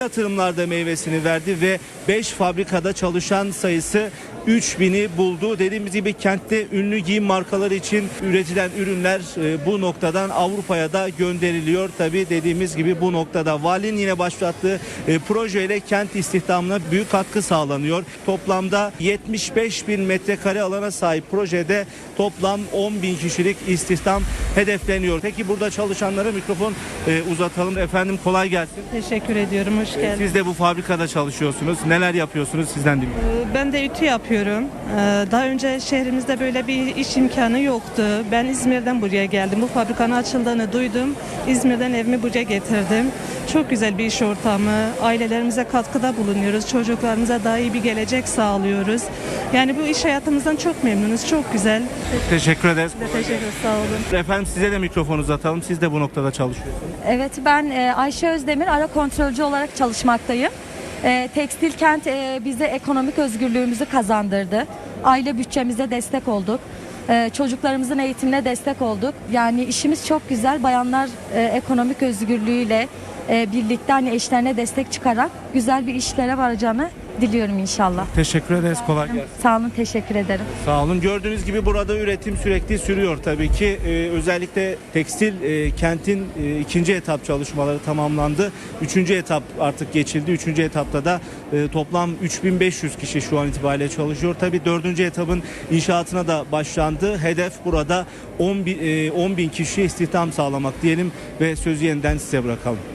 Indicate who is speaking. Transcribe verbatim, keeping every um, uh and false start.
Speaker 1: Yatırımlarda meyvesini verdi ve beş fabrikada çalışan sayısı üç bini buldu. Dediğimiz gibi kentte ünlü giyim markaları için üretilen ürünler e, bu noktadan Avrupa'ya da gönderiliyor. Tabii dediğimiz gibi bu noktada valinin yine başlattığı e, projeyle kent istihdamına büyük katkı sağlanıyor. Toplamda yetmiş beş bin metrekare alana sahip projede toplam on bin kişilik istihdam hedefleniyor. Peki burada çalışanlara mikrofon e, uzatalım. Efendim kolay gelsin.
Speaker 2: Teşekkür ediyorum, hoş geldiniz.
Speaker 1: Siz de bu fabrikada çalışıyorsunuz. Neler yapıyorsunuz? Sizden dinliyorum.
Speaker 2: Ben de ütü yapıyorum. Daha önce şehrimizde böyle bir iş imkanı yoktu. Ben İzmir'den buraya geldim. Bu fabrikanın açıldığını duydum. İzmir'den evimi buraya getirdim. Çok güzel bir iş ortamı. Ailelerimize katkıda bulunuyoruz. Çocuklarımıza daha iyi bir gelecek sağlıyoruz. Yani bu iş hayatımızdan çok memnunuz. Çok güzel.
Speaker 1: Teşekkür ederiz.
Speaker 2: Teşekkür ederim. Sağ olun.
Speaker 1: Efendim size de mikrofon uzatalım. Siz de bu noktada çalışıyorsunuz.
Speaker 3: Evet, ben e, Ayşe Özdemir, ara kontrolcü olarak çalışmaktayım. E, Tekstil kent e, bize ekonomik özgürlüğümüzü kazandırdı. Aile bütçemize destek olduk. E, çocuklarımızın eğitimine destek olduk. Yani işimiz çok güzel. Bayanlar e, ekonomik özgürlüğüyle e, birlikte hani eşlerine destek çıkarak güzel bir işlere varacağını diliyorum inşallah.
Speaker 1: Teşekkür ederiz. Kolay gelsin.
Speaker 3: Sağ olun, teşekkür ederim.
Speaker 1: Sağ olun. Gördüğünüz gibi burada üretim sürekli sürüyor tabii ki. Ee, özellikle tekstil e, kentin e, ikinci etap çalışmaları tamamlandı. Üçüncü etap artık geçildi. Üçüncü etapta da e, toplam üç bin beş yüz kişi şu an itibariyle çalışıyor. Tabii dördüncü etapın inşaatına da başlandı. Hedef burada on bin, e, on bin kişi istihdam sağlamak diyelim ve sözü yeniden size bırakalım.